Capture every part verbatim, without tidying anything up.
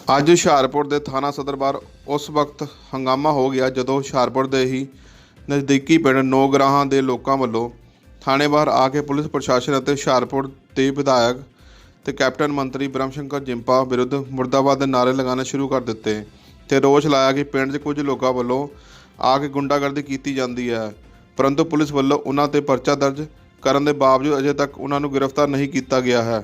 ਅੱਜ ਹੁਸ਼ਿਆਰਪੁਰ ਦੇ ਥਾਣਾ ਸਦਰ ਬਾਹਰ ਉਸ ਵਕਤ ਹੰਗਾਮਾ ਹੋ ਗਿਆ ਜਦੋਂ ਹੁਸ਼ਿਆਰਪੁਰ ਦੇ ਹੀ ਨਜ਼ਦੀਕੀ ਪਿੰਡ ਨੌਗਰਾਹਾਂ ਦੇ ਲੋਕਾਂ ਵੱਲੋਂ ਥਾਣੇ ਬਾਹਰ ਆ ਕੇ ਪੁਲਿਸ ਪ੍ਰਸ਼ਾਸਨ ਅਤੇ ਹੁਸ਼ਿਆਰਪੁਰ ਦੇ ਵਿਧਾਇਕ ਤੇ ਕੈਪਟਨ ਮੰਤਰੀ ਬ੍ਰਹਮ ਸ਼ੰਕਰ ਜਿੰਪਾ ਵਿਰੁੱਧ ਮੁਰਦਾਬਾਦ ਦੇ ਨਾਅਰੇ ਲਗਾਉਣੇ ਸ਼ੁਰੂ ਕਰ ਦਿੱਤੇ ਤੇ ਰੋਸ ਲਾਇਆ ਕਿ ਪਿੰਡ 'ਚ ਕੁਝ ਲੋਕਾਂ ਵੱਲੋਂ ਆ ਕੇ ਗੁੰਡਾਗਰਦੀ ਕੀਤੀ ਜਾਂਦੀ ਹੈ, परंतु पुलिस वालों उन्हां ते परचा दर्ज करने के बावजूद अजे तक उन्होंने गिरफ्तार नहीं किया गया है।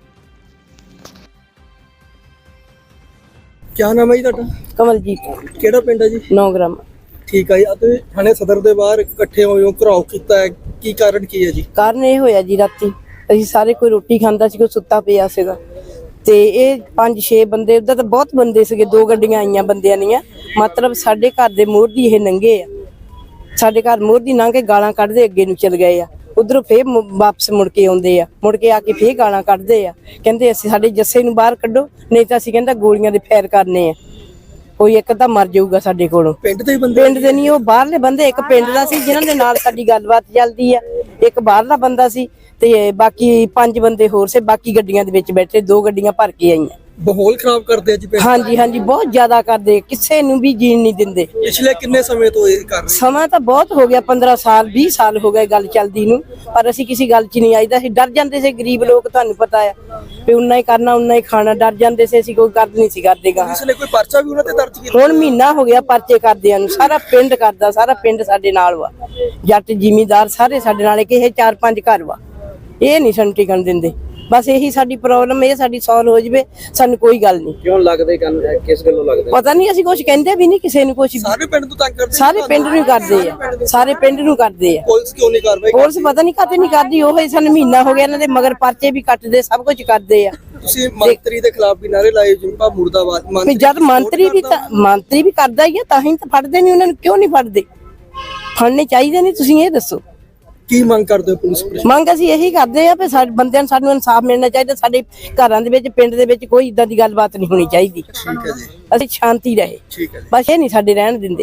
क्या नाम है जी तुहाडा? कमलजीत। केड़ा पिंड है जी? नौग्राम। ठीक है जी। अते थाने सदर दे बाहर इकट्ठे होए हो, घराव कीता है, की कारण की है जी? कारण ये होया जी राती असीं सारे कोई रोटी खांदा सी, कोई सुत्ता पिया सीगा ते ये पांच छे बंदे उधर तो बहुत बंदे सीगे, दो गड्डियां आईयां बंदियां दियां, मतलब साडे घर दे मोर दी ये नंगे आ, साडे घर मोर दी लंघ के गालां कढदे अगे नूं चल गए आ, उधरों फिर वापस मुड़ के आउंदे आ, मुड़ के आके फिर गालां कढदे आ, कहंदे असीं साडे जस्से नूं बाहर कड्डो नहीं तां असीं कहंदा गोलियां दे फैर करने आ, कोई एक तां मर जाऊगा साडे कोलों। पिंड दे बंदे पिंड दे नहीं, ओ बाहरले बंदे, एक पिंड दा सी जिन्हां दे नाल साडी गलबात चलदी आ, एक बाहरला बंदा सी ते बाकी पांच बंदे होर से, बाकी गड्डियां दे विच बैठे, दो गड्डियां भर के आईयां। माहौल खराब करदे जी पिंड? हाँ जी हाँ जी, बहुत ज्यादा करदे, किसे नूं भी जीण नहीं दिंदे। पिछले किन्ने समय तो ये कर रहे? समा तो बहुत हो गया, पंद्रह साल बीस साल हो गए गल चलदी नूं, पर असीं किसी गल च नहीं आईदा, असीं डर जांदे से, गरीब लोग तुहानूं पता है भी उन्ना ही करना उन्ना ही खाना, डर जांदे से, असीं कोई गल नहीं सी करदे गा। पुलिस ने कोई पर्चा भी उन्हां ते दर्ज कीता? हुण महीना हो गया परचे करदियां नूं, सारा पिंड करदा, सारा पिंड साडे नाल वा, जट जिमीदार सारे साडे नाल, कि चार पांच घर वा, ये नहीं सानूं टिकण दिंदे। बस यही साडी प्रॉब्लम है, साडी सॉल्व हो जावे, सानूं कोई गल नहीं। क्यों लगदे गल किस गल्लों लगदे? पता नहीं, असीं कुछ कहंदे भी नहीं किसी नूं, कुछ सारे पिंड तो तंग करदे, सारे पिंड नूं करदे आ, सारे पिंड नूं करदे आ। पुलिस क्यों नहीं कार्रवाई? पुलिस पता नहीं काते नहीं करदी, ओह सानूं महीना हो गया इन्हां दे मगर परचे भी कटदे, सब कुछ करदे आ। तुसीं मंत्री दे खिलाफ भी नारे लाए, जिंपा मुर्दाबाद, भी जद मंत्री भी तां मंत्री भी करदा ही आ, तां ही तां फड़दे नहीं, उन्हां नूं क्यों नहीं फड़दे? फड़ने चाहिए नहीं, तुसीं ये दसो की मंग करदे हो पुलिस प्रशासन? मंग असीं यही करदे आ भी साडे बंदिਆਂ ਨੂੰ ਸਾਨੂੰ ਇਨਸਾਫ ਮਿਲਣਾ ਚਾਹੀਦਾ, ਸਾਡੇ ਘਰਾਂ ਦੇ ਵਿੱਚ ਪਿੰਡ ਦੇ ਵਿੱਚ ਕੋਈ ਇਦਾਂ ਦੀ ਗੱਲਬਾਤ ਨਹੀਂ ਹੋਣੀ ਚਾਹੀਦੀ। ਠੀਕ ਹੈ ਜੀ, ਅਸੀਂ ਸ਼ਾਂਤੀ ਰਹੇ, ਠੀਕ ਹੈ ਜੀ, ਬਸ ਇਹ ਨਹੀਂ ਸਾਡੇ ਰਹਿਣ ਦਿੰਦੇ।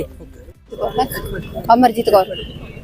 अमरजीत कौर।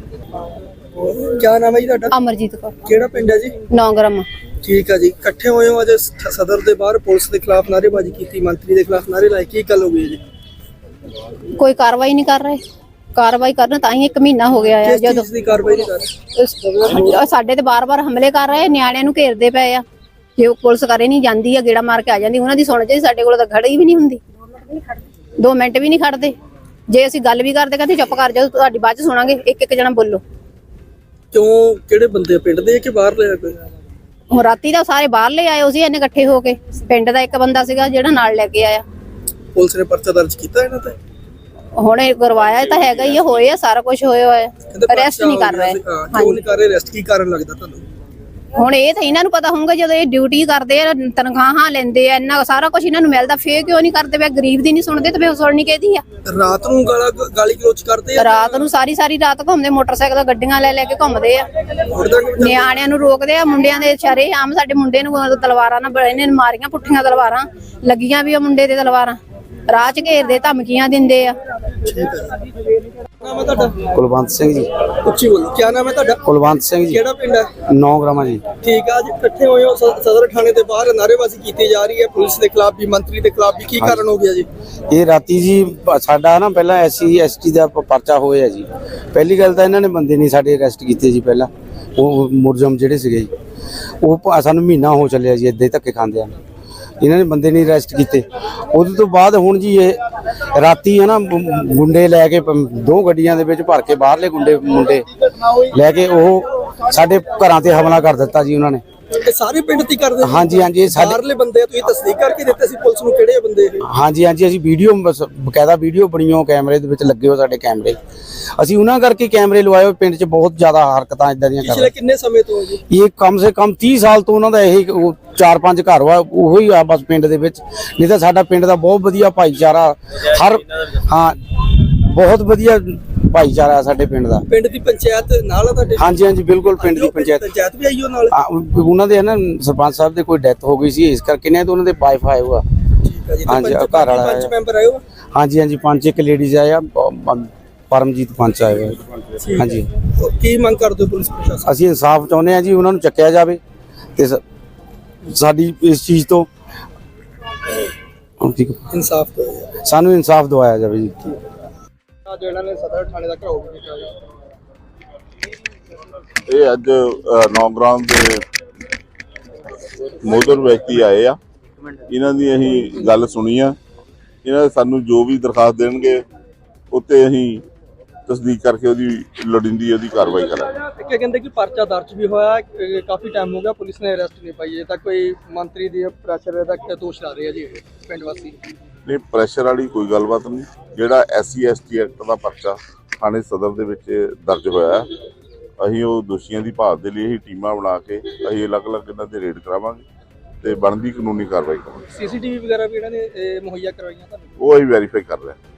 क्या नाम है जी तुहाडा? अमरजीत कौर। केड़ा पिंड है जी? नौग्राम। ठीक है जी। इकट्ठे होए हो अज सदर दे बाहर, पुलिस के खिलाफ नारेबाजी की, मंत्री के खिलाफ नारे लाए, की गल हो गई जी? कोई कार्रवाई नहीं कर रहे, कार्रवाई करना तां ही एक महीना हो गया है। किस चीज़ दी कार्रवाई नहीं कर रहे? साडे ते बार बार हमले कर रहे, नियाणिਆਂ ਨੂੰ ਘੇਰਦੇ ਪਏ ਆ, ਜੇ ਪੁਲਿਸ ਕਰੇ ਨਹੀਂ ਜਾਂਦੀ ਆ, ਗੇੜਾ ਮਾਰ ਕੇ ਆ ਜਾਂਦੀ, ਉਹਨਾਂ ਦੀ ਸੁਣ ਜੇ ਸਾਡੇ ਕੋਲ ਤਾਂ ਖੜੀ ਵੀ ਨਹੀਂ ਹੁੰਦੀ, ਦੋ ਮਿੰਟ ਵੀ ਨਹੀਂ ਖੜਦੇ। ਜੇ ਅਸੀਂ ਗੱਲ ਵੀ ਕਰਦੇ ਕਹਿੰਦੇ ਚੁੱਪ ਕਰ ਜਾਓ, ਤੁਹਾਡੀ ਬਾਅਦ ਚ ਸੁਣਾਂਗੇ, ਇੱਕ ਇੱਕ ਜਣਾ ਬੋਲੋ। क्यों ਕਿਹੜੇ ਬੰਦੇ ਪਿੰਡ ਦੇ ਕਿ ਬਾਹਰ ਲੈ ਕੋਈ? ਹੁਣ ਰਾਤੀ ਦਾ ਸਾਰੇ ਬਾਹਰ ਲੈ ਆਏ ਸੀ, ਇਹਨੇ ਇਕੱਠੇ ਹੋ ਕੇ, ਪਿੰਡ ਦਾ ਇੱਕ ਬੰਦਾ ਸੀਗਾ ਜਿਹੜਾ ਨਾਲ ਲੈ ਕੇ ਆਇਆ। ਪੁਲਿਸ ਨੇ ਪਰਚਾ ਦਰਜ ਕੀਤਾ ਇਹਨਾਂ ਤੇ? ਹੁਣ ਇਹ ਕਰਵਾਇਆ ਤਾਂ ਹੈਗਾ ਹੀ, ਹੋਏ ਆ, ਸਾਰਾ ਕੁਝ ਹੋਇਆ ਹੋਇਆ, ਅਰੈਸਟ ਨਹੀਂ ਕਰ ਰਹੇ। ਕਿਉਂ ਨਹੀਂ ਕਰ ਰਹੇ ਅਰੈਸਟ? ਕੀ ਕਾਰਨ ਲੱਗਦਾ ਤੁਹਾਨੂੰ? ਹੁਣ ਇਹ ਤਾਂ ਇਹਨਾਂ ਨੂੰ ਪਤਾ ਹੋਊਗਾ, ਜਦੋਂ ਇਹ ਡਿਊਟੀ ਕਰਦੇ ਆ, ਤਨਖਾਹਾਂ ਲੈਂਦੇ ਆ, ਇੰਨਾ ਸਾਰਾ ਕੁਝ ਇਹਨਾਂ ਨੂੰ ਮਿਲਦਾ, ਫੇਰ ਕਿਉਂ ਨਹੀਂ ਕਰਦੇ? ਵੇ ਗਰੀਬ ਦੀ ਨਹੀਂ ਸੁਣਦੇ ਤੇ ਫੇਰ ਸੁਣਨੀ ਕਿਹਦੀ ਆ? ਰਾਤ ਨੂੰ ਗਾਲਾਂ ਗਾਲੀ ਗਲੋਚ ਕਰਦੇ ਆ, ਰਾਤ ਨੂੰ ਸਾਰੀ ਸਾਰੀ ਰਾਤ ਘੁੰਮਦੇ, ਮੋਟਰਸਾਈਕਲ ਗੱਡੀਆਂ ਲੈ ਲੈ ਕੇ ਘੁੰਮਦੇ ਆ, ਨਿਆਣਿਆਂ ਨੂੰ ਰੋਕਦੇ ਆ, ਮੁੰਡਿਆਂ ਦੇ ਸ਼ਰੇ ਆਮ ਸਾਡੇ ਮੁੰਡੇ ਨੂੰ ਤਲਵਾਰਾਂ ਨਾਲ ਇਹਨੇ ਮਾਰੀਆਂ, ਪੁੱਠੀਆਂ ਤਲਵਾਰਾਂ ਲੱਗੀਆਂ ਵੀ ਆ ਮੁੰਡੇ ਦੇ ਤਲਵਾਰਾਂ, ਰਾਹ ਚ ਘੇਰਦੇ, ਧਮਕੀਆਂ ਦਿੰਦੇ ਆ। ਨਾਮ ਹੈ ਤੁਹਾਡਾ? ਕੁਲਵੰਤ ਸਿੰਘ ਜੀ। ਉੱਚੀ ਬੋਲੋ। ਕੀ ਨਾਮ ਹੈ ਤੁਹਾਡਾ? ਕੁਲਵੰਤ ਸਿੰਘ ਜੀ। ਕਿਹੜਾ ਪਿੰਡ ਹੈ? ਨੌਗਰਾਮ ਜੀ। ਠੀਕ ਹੈ। ਅੱਜ ਇਕੱਠੇ ਹੋਏ ਹੋ ਸਦਰ ਥਾਣੇ ਦੇ ਬਾਹਰ, ਨਾਅਰੇਬਾਜ਼ੀ ਕੀਤੀ ਜਾ ਰਹੀ ਹੈ ਪੁਲਿਸ ਦੇ ਖਿਲਾਫ ਵੀ, ਮੰਤਰੀ ਦੇ ਖਿਲਾਫ ਵੀ, ਕੀ ਕਾਰਨ ਹੋ ਗਿਆ ਜੀ? ਇਹ ਰਾਤੀ ਜੀ ਸਾਡਾ ਨਾ ਪਹਿਲਾਂ ਐਸਸੀ ਐਸਟੀ ਦਾ ਪਰਚਾ ਹੋਇਆ ਜੀ। ਪਹਿਲੀ ਗੱਲ ਤਾਂ ਇਹਨਾਂ ਨੇ ਬੰਦੇ ਨਹੀਂ ਸਾਡੇ ਅਰੈਸਟ ਕੀਤੇ ਜੀ, ਪਹਿਲਾਂ ਉਹ ਮੁਰਜਮ ਜਿਹੜੇ ਸੀਗੇ ਜੀ, ਉਹ ਸਾਨੂੰ ਮਹੀਨਾ ਹੋ ਚੱਲਿਆ ਜੀ ਏਦਾਂ ਹੀ ਧੱਕੇ ਖਾਂਦੇ ਆ, ਇਹਨਾਂ ਨੇ ਬੰਦੇ ਨਹੀਂ ਅਰੈਸਟ ਕੀਤੇ। ਉਹਦੇ ਤੋਂ ਬਾਅਦ ਹੁਣ ਜੀ ਇਹ ਰਾਤੀ ਹੈ ਨਾ ਗੁੰਡੇ ਲੈ ਕੇ ਦੋ ਗੱਡੀਆਂ ਦੇ ਵਿੱਚ ਭਰ ਕੇ, ਬਾਹਰਲੇ ਗੁੰਡੇ ਮੁੰਡੇ ਲੈ ਕੇ ਉਹ ਸਾਡੇ ਘਰਾਂ ਤੇ ਹਮਲਾ ਕਰ ਦਿੱਤਾ ਜੀ ਉਹਨਾਂ ਨੇ। ਇਹ ਸਾਰੇ ਪਿੰਡ ਦੀ ਕਰਦੇ? ਹਾਂਜੀ ਹਾਂਜੀ, ਸਾਡੇ ਬਾਹਰਲੇ ਬੰਦੇ ਤੁਸੀਂ ਤਸਦੀਕ ਕਰਕੇ ਦਿੱਤੇ ਸੀ ਪੁਲਿਸ ਨੂੰ ਕਿਹੜੇ ਬੰਦੇ ਇਹ? ਹਾਂਜੀ ਹਾਂਜੀ, ਅਸੀਂ ਵੀਡੀਓ ਬਕਾਇਦਾ ਵੀਡੀਓ ਬਣੀਓ, ਕੈਮਰੇ ਦੇ ਵਿੱਚ ਲੱਗੇ ਹੋ ਸਾਡੇ ਕੈਮਰੇ, ਅਸੀਂ ਉਹਨਾਂ ਕਰਕੇ ਕੈਮਰੇ ਲਵਾਏ ਹੋਏ। ਪਿੰਡ 'ਚ ਬਹੁਤ ਜ਼ਿਆਦਾ ਹਰਕਤਾਂ ਇਦਾਂ ਦੀਆਂ ਕਰ ਪਿਛਲੇ ਕਿੰਨੇ ਸਮੇਂ ਤੋਂ ਜੀ? ਇਹ ਕਮ ਸੇ ਕਮ ਤੀਹ ਸਾਲ ਤੋਂ ਉਹਨਾਂ ਦਾ ਇਹੀ ਚਾਰ ਪੰਜ ਘਰ ਵਾ, ਉਹੋ ਹੀ ਆ ਬਸ ਪਿੰਡ ਦੇ ਵਿੱਚ। ਨਹੀਂ ਤਾਂ ਸਾਡਾ ਪਿੰਡ ਦਾ ਬਹੁਤ ਵਧੀਆ ਭਾਈਚਾਰਾ, ਹਰ ਹਾਂ ਬਹੁਤ ਵਧੀਆ ਭਾਈਚਾਰਾ ਸਾਡੇ ਪਿੰਡ ਦਾ। ਪਿੰਡ ਦੀ ਪੰਚਾਇਤ ਨਾਲ ਆ ਤੁਹਾਡੇ? ਹਾਂਜੀ ਹਾਂਜੀ ਬਿਲਕੁਲ, ਪਿੰਡ ਦੀ ਪੰਚਾਇਤ ਪੰਚਾਇਤ ਵੀ ਆਈ ਉਹ ਨਾਲ? ਉਹਨਾਂ ਦੇ ਨਾ ਸਰਪੰਚ ਸਾਹਿਬ ਦੇ ਕੋਈ ਡੈਥ ਹੋ ਗਈ ਸੀ, ਇਸ ਕਰਕੇ ਨੇ ਉਹਨਾਂ ਦੇ ਵਾਈਫ ਆਏ ਹੋਆ। ਹਾਂਜੀ, ਘਰ ਵਾਲਾ ਪੰਚ ਮੈਂਬਰ ਆਏ ਹੋ? ਹਾਂਜੀ ਹਾਂਜੀ, ਪੰਜ ਇੱਕ ਲੇਡੀਜ਼ ਆਏ ਆ, ਪਰਮਜੀਤ ਪੰਚ ਆਏ ਹੋਏ। ਹਾਂਜੀ। ਕੀ ਮੰਗ ਕਰਦੇ ਹੋ ਪੁਲਿਸ ਪ੍ਰਸ਼ਾਸਨ? ਅਸੀਂ ਇਨਸਾਫ ਚਾਹੁੰਦੇ ਹਾਂ ਜੀ, ਉਹਨਾਂ ਨੂੰ ਚੱਕਿਆ ਜਾਵੇ ਤੇ ਸਾਡੀ ਇਸ ਚੀਜ਼ ਤੋਂ ਹੁਣ ਠੀਕ ਇਨਸਾਫ ਦਿਓ। ਸਾਨੂੰ ਇਨਸਾਫ ਦਵਾਇਆ ਜਾਵੇ ਜੀ। ਅੱਜ ਇਹਨਾਂ ਨੇ ਸਦਰ ਥਾਣੇ ਦਾ ਘਰਾਓ ਵੀ ਕੀਤਾ ਜੀ। ਇਹ ਅੱਜ ਨੌਗਰਾਮ ਦੇ ਮੋਦਰ ਵਿਅਕਤੀ ਆਏ ਆ, ਇਹਨਾਂ ਦੀ ਅਸੀਂ ਗੱਲ ਸੁਣੀ ਆ। ਇਹਨਾਂ ਸਾਨੂੰ ਜੋ ਵੀ ਦਰਖਾਸਤ ਦੇਣਗੇ ਉੱਤੇ ਅਸੀਂ ਤਸਦੀਕ ਕਰਕੇ ਉਹਦੀ ਲੋੜੀਂਦੀ ਉਹਦੀ ਕਾਰਵਾਈ ਕਰਾਂਗੇ। ਕਿ ਕਹਿੰਦੇ ਕਿ ਪਰਚਾ ਦਰਜ ਵੀ ਹੋਇਆ, ਅਹ ਕਾਫੀ ਟਾਈਮ ਹੋ ਗਿਆ ਪੁਲਿਸ ਨੇ ਅਰੈਸਟ ਨਹੀਂ ਪਾਈ। ਇਹ ਤਾਂ ਕੋਈ ਮੰਤਰੀ ਦੀ ਪ੍ਰੈਸ਼ਰ ਦਾ ਦੋਸ਼ ਲਾ ਰਹੇ ਆ ਜੀ ਇਹ ਪਿੰਡ ਵਾਸੀ। ਨਹੀਂ, ਪ੍ਰੈਸ਼ਰ ਵਾਲੀ ਕੋਈ ਗੱਲਬਾਤ ਨਹੀਂ। ਜਿਹੜਾ S C S T act ਦਾ ਪਰਚਾ ਥਾਣੇ ਸਦਰ ਦੇ ਵਿੱਚ ਦਰਜ ਹੋਇਆ, ਅਸੀਂ ਉਹ ਦੋਸ਼ੀਆਂ ਦੀ ਭਾਲ ਦੇ ਲਈ ਅਸੀਂ ਟੀਮਾਂ ਬਣਾ ਕੇ ਅਸੀਂ ਅਲੱਗ-ਅਲੱਗ ਇਹਨਾਂ ਦੇ ਰੇਡ ਕਰਾਵਾਂਗੇ ਤੇ ਬਣਦੀ ਕਾਨੂੰਨੀ ਕਾਰਵਾਈ ਕਰਾਂਗੇ। ਸੀਸੀਟੀਵੀ ਵਗੈਰਾ ਵੀ ਇਹਨਾਂ ਨੇ ਮੁਹੱਈਆ ਕਰਵਾਈਆਂ ਤੁਹਾਨੂੰ? ਉਹ ਅਸੀਂ ਵੈਰੀਫਾਈ ਕਰ ਰਹੇ ਹਾਂ।